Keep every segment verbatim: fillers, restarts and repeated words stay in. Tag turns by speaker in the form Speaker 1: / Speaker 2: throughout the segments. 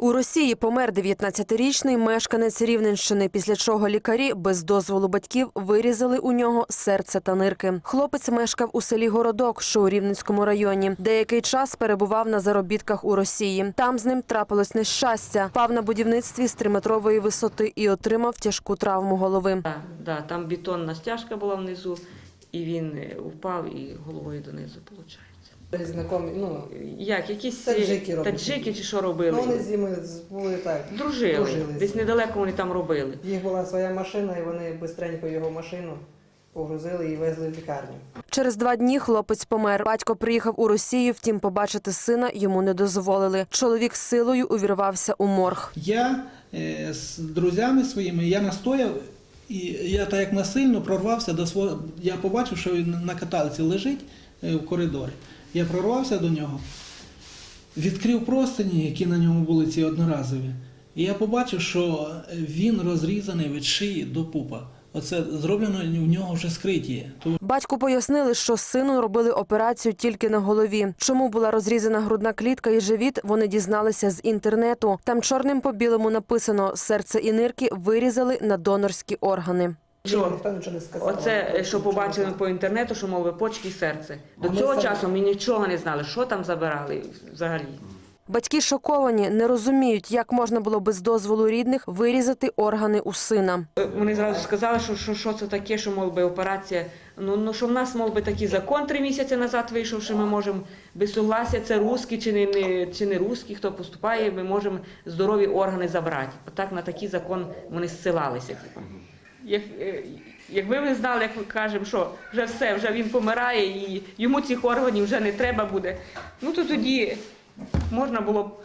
Speaker 1: У Росії помер дев'ятнадцятирічний мешканець Рівненщини, після чого лікарі без дозволу батьків вирізали у нього серце та нирки. Хлопець мешкав у селі Городок, що у Рівненському районі. Деякий час перебував на заробітках у Росії. Там з ним трапилось нещастя. Впав на будівництві з триметрової висоти і отримав тяжку травму голови.
Speaker 2: Да, да, там бетонна стяжка була внизу, і він впав і головою донизу, виходить.
Speaker 3: Знакомі, ну,
Speaker 2: Як, якісь
Speaker 3: таджики робили.
Speaker 2: таджики чи що робили?
Speaker 3: Ну, вони з ними були так.
Speaker 2: Дружили.
Speaker 3: дружились.
Speaker 2: Десь недалеко вони там робили.
Speaker 3: Їх була своя машина, і вони швидко його машину погрузили і везли в лікарню.
Speaker 1: Через два дні хлопець помер. Батько приїхав у Росію, втім побачити сина йому не дозволили. Чоловік з силою увірвався у морг.
Speaker 4: Я е, з друзями своїми, я настояв, і я так як насильно прорвався до свого, я побачив, що він на каталці лежить е, в коридорі. Я прорвався до нього, відкрив простині, які на ньому були ці одноразові, і я побачив, що він розрізаний від шиї до пупа. Оце зроблено в нього вже скриття.
Speaker 1: Батьку пояснили, що сину робили операцію тільки на голові. Чому була розрізана грудна клітка і живіт, вони дізналися з інтернету. Там чорним по білому написано «Серце і нирки вирізали на донорські органи».
Speaker 2: Що?
Speaker 3: Ніхто нічого не сказав.
Speaker 2: Оце, що побачили по інтернету, що, мов би, почки і серце. До
Speaker 3: Вони
Speaker 2: цього
Speaker 3: самі-
Speaker 2: часу ми нічого не знали, що там забирали взагалі.
Speaker 1: Батьки шоковані, не розуміють, як можна було без дозволу рідних вирізати органи у сина.
Speaker 2: Вони зразу сказали, що, що, що це таке, що, мов би, операція. Ну, ну, що в нас, мов би, такий закон три місяці назад вийшов, що ми можемо без согласия, це русські чи не, не, чи не русські, хто поступає, ми можемо здорові органи забрати. Отак на такий закон вони зсилалися. Типу. Як, е, якби ви знали, як ми кажемо, що вже все, вже він помирає і йому цих органів вже не треба буде, ну то тоді можна було б,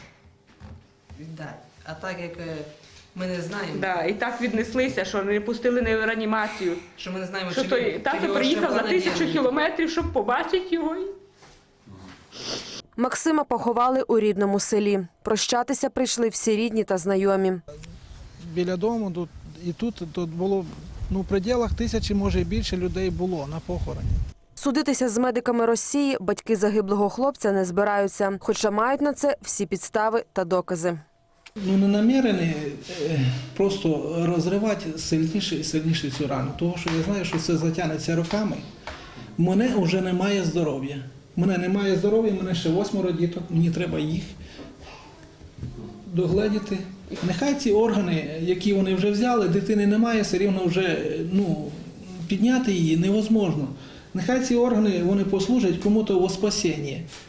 Speaker 3: Віддай. А так як е, ми не знаємо,
Speaker 2: да, і так віднеслися, що не пустили на реанімацію.
Speaker 3: що ми не знаємо,
Speaker 2: Що
Speaker 3: чи
Speaker 2: той
Speaker 3: він- чи
Speaker 2: тато
Speaker 3: його
Speaker 2: приїхав
Speaker 3: ще
Speaker 2: за
Speaker 3: органи
Speaker 2: тисячу
Speaker 3: є.
Speaker 2: кілометрів, щоб побачити його.
Speaker 1: Максима поховали у рідному селі. Прощатися прийшли всі рідні та знайомі.
Speaker 4: Біля дому тут, і тут, тут було, ну, в пределах тисячі, може і більше людей було на похороні.
Speaker 1: Судитися з медиками Росії батьки загиблого хлопця не збираються, хоча мають на це всі підстави та докази.
Speaker 4: Ну, не намірені е, просто розривати сильніше і сильніше цю рану. Тому що я знаю, що це затягнеться роками. У мене вже немає здоров'я. У мене немає здоров'я, у мене ще восьмеро діток, мені треба їх догледіти. Нехай ці органи, які вони вже взяли, дитини немає, все рівно вже, ну, підняти її невозможно. Нехай ці органи вони послужать кому-то во спасіння.